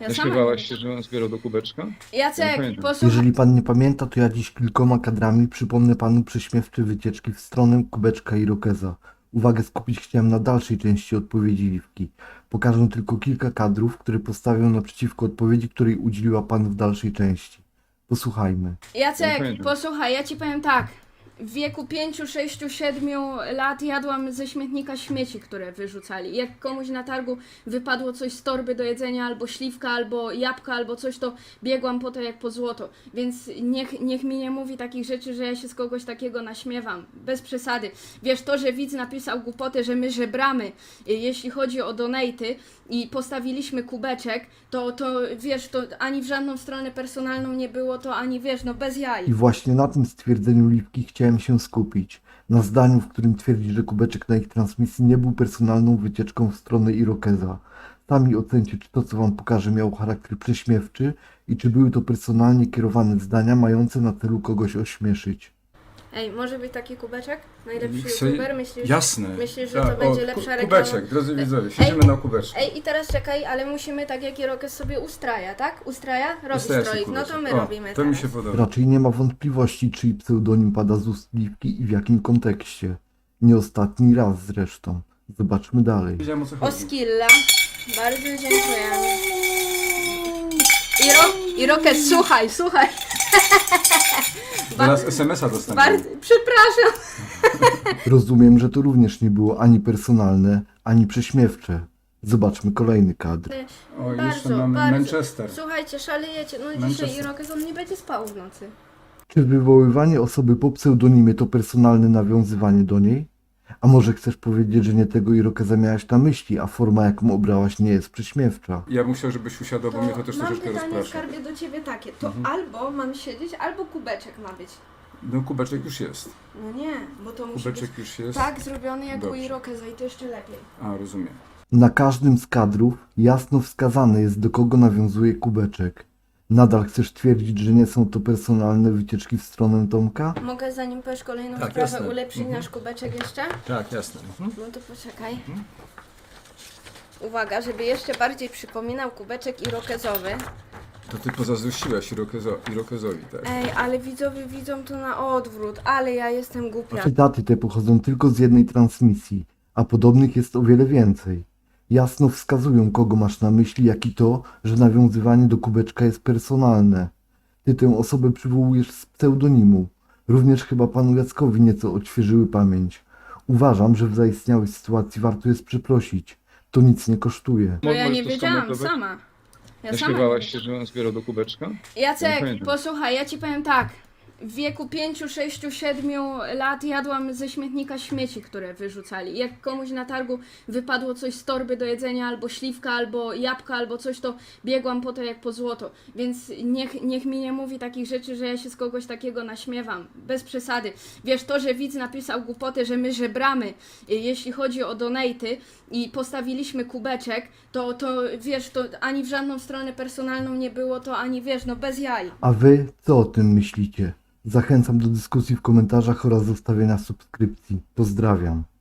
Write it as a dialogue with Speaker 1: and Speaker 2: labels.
Speaker 1: Ja
Speaker 2: Nie
Speaker 1: sama nie
Speaker 2: śpiewałaś
Speaker 1: wiem.
Speaker 2: się, że on zbierał do kubeczka? Nie
Speaker 1: Jacek,
Speaker 2: pamiętam.
Speaker 1: posłuchaj.
Speaker 3: Jeżeli pan nie pamięta, to ja dziś kilkoma kadrami przypomnę panu prześmiewcze wycieczki w stronę kubeczka i Irokeza. Uwagę skupić chciałem na dalszej części odpowiedzi Liwki. Pokażę tylko kilka kadrów, które postawią naprzeciwko odpowiedzi, której udzieliła pan w dalszej części. Posłuchajmy.
Speaker 1: Jacek,
Speaker 2: pamiętam.
Speaker 1: posłuchaj, ja ci powiem tak. W wieku 5, 6, 7 lat jadłam ze śmietnika śmieci, które wyrzucali. Jak komuś na targu wypadło coś z torby do jedzenia, albo śliwka, albo jabłka, albo coś, to biegłam po to jak po złoto. Więc niech mi nie mówi takich rzeczy, że ja się z kogoś takiego naśmiewam. Bez przesady. Wiesz, to, że widz napisał głupotę, że my żebramy, jeśli chodzi o donaty i postawiliśmy kubeczek, to wiesz, to ani w żadną stronę personalną nie było, to ani wiesz, no bez jaj.
Speaker 3: I właśnie na tym stwierdzeniu Liwki chciałem się skupić. Na zdaniu, w którym twierdzi, że kubeczek na ich transmisji nie był personalną wycieczką w stronę Irokeza. Sami ocencie, czy to, co wam pokażę, miało charakter prześmiewczy i czy były to personalnie kierowane zdania mające na celu kogoś ośmieszyć.
Speaker 1: Ej, może być taki kubeczek? Najlepszy
Speaker 2: Chcę-
Speaker 1: youtuber? Myślisz?
Speaker 2: Jasne.
Speaker 1: Myślisz, że
Speaker 2: Tak,
Speaker 1: to będzie lepsza reklama?
Speaker 2: Kubeczek, drodzy widzowie, siedzimy na kubeczku.
Speaker 1: Ej, i teraz czekaj, ale musimy tak jak Irokes sobie ustraja, tak? Ustraja? Robi
Speaker 2: Ustawiam
Speaker 1: stroik,
Speaker 2: sobie
Speaker 1: no to my
Speaker 2: kubeczek. O,
Speaker 1: robimy
Speaker 2: to
Speaker 1: teraz.
Speaker 2: mi się podoba.
Speaker 3: Raczej nie ma wątpliwości, czyj pseudonim pada z ust Liwki i w jakim kontekście. Nie ostatni raz zresztą. Zobaczmy dalej.
Speaker 2: Wiedziałem, o co chodzi.
Speaker 1: Oskilla, bardzo dziękujemy. Irokes, słuchaj.
Speaker 2: Zaraz SMS-a dostaniemy.
Speaker 1: Bardzo, przepraszam.
Speaker 3: Rozumiem, że to również nie było ani personalne, ani prześmiewcze. Zobaczmy kolejny kadr.
Speaker 2: O, jeszcze
Speaker 1: Bardzo,
Speaker 2: mamy
Speaker 1: bardzo.
Speaker 2: Manchester.
Speaker 1: Słuchajcie, szalejecie, no dzisiaj
Speaker 2: Manchester.
Speaker 1: Irokes on nie będzie spał w nocy.
Speaker 3: Czy wywoływanie osoby po pseudonimie to personalne nawiązywanie do niej? A może chcesz powiedzieć, że nie tego Irokeza miałaś na myśli, a forma, jaką obrałaś, nie jest prześmiewcza?
Speaker 2: Ja bym chciał, żebyś usiadła, bo mnie to też
Speaker 1: mam
Speaker 2: troszeczkę
Speaker 1: pytanie,
Speaker 2: rozprasza.
Speaker 1: skarbie, do ciebie takie. To
Speaker 2: Mhm.
Speaker 1: albo mam siedzieć, albo kubeczek ma być.
Speaker 2: No kubeczek już jest.
Speaker 1: No nie, bo to musi
Speaker 2: Kubeczek
Speaker 1: być
Speaker 2: już jest.
Speaker 1: tak zrobiony jak u
Speaker 2: Dobrze.
Speaker 1: Irokeza i to jeszcze lepiej.
Speaker 2: A, rozumiem.
Speaker 3: Na każdym z kadrów jasno wskazane jest, do kogo nawiązuje kubeczek. Nadal chcesz twierdzić, że nie są to personalne wycieczki w stronę Tomka?
Speaker 1: Mogę zanim powiesz kolejną
Speaker 2: Tak,
Speaker 1: sprawę
Speaker 2: jasne.
Speaker 1: ulepszyć
Speaker 2: Mhm.
Speaker 1: nasz kubeczek jeszcze?
Speaker 2: Tak, jasne.
Speaker 1: No to poczekaj. Uwaga, żeby jeszcze bardziej przypominał kubeczek irokezowy.
Speaker 2: To ty pozazdrościłaś Irokezowi, tak?
Speaker 1: Ej, ale widzowie widzą to na odwrót, ale ja jestem głupia.
Speaker 3: Cytaty te pochodzą tylko z jednej transmisji, a podobnych jest o wiele więcej. Jasno wskazują, kogo masz na myśli, jak i to, że nawiązywanie do kubeczka jest personalne. Ty tę osobę przywołujesz z pseudonimu. Również chyba panu Jackowi nieco odświeżyły pamięć. Uważam, że w zaistniałej sytuacji warto jest przeprosić. To nic nie kosztuje.
Speaker 1: No ja
Speaker 2: Możesz
Speaker 1: nie
Speaker 2: to
Speaker 1: wiedziałam,
Speaker 2: skomentować?
Speaker 1: sama. Ja
Speaker 2: Nie
Speaker 1: sama nie
Speaker 2: śpiewałaś się, że on zbierał do kubeczka? Nie
Speaker 1: Jacek,
Speaker 2: pamiętam.
Speaker 1: posłuchaj, ja ci powiem tak. W wieku 5, 6, 7 lat jadłam ze śmietnika śmieci, które wyrzucali. Jak komuś na targu wypadło coś z torby do jedzenia, albo śliwka, albo jabłka, albo coś, to biegłam po to jak po złoto. Więc niech mi nie mówi takich rzeczy, że ja się z kogoś takiego naśmiewam. Bez przesady. Wiesz, to, że widz napisał głupotę, że my żebramy, jeśli chodzi o donaty i postawiliśmy kubeczek, to wiesz, to ani w żadną stronę personalną nie było, to ani wiesz, no bez jaj.
Speaker 3: A wy co o tym myślicie? Zachęcam do dyskusji w komentarzach oraz zostawienia subskrypcji. Pozdrawiam.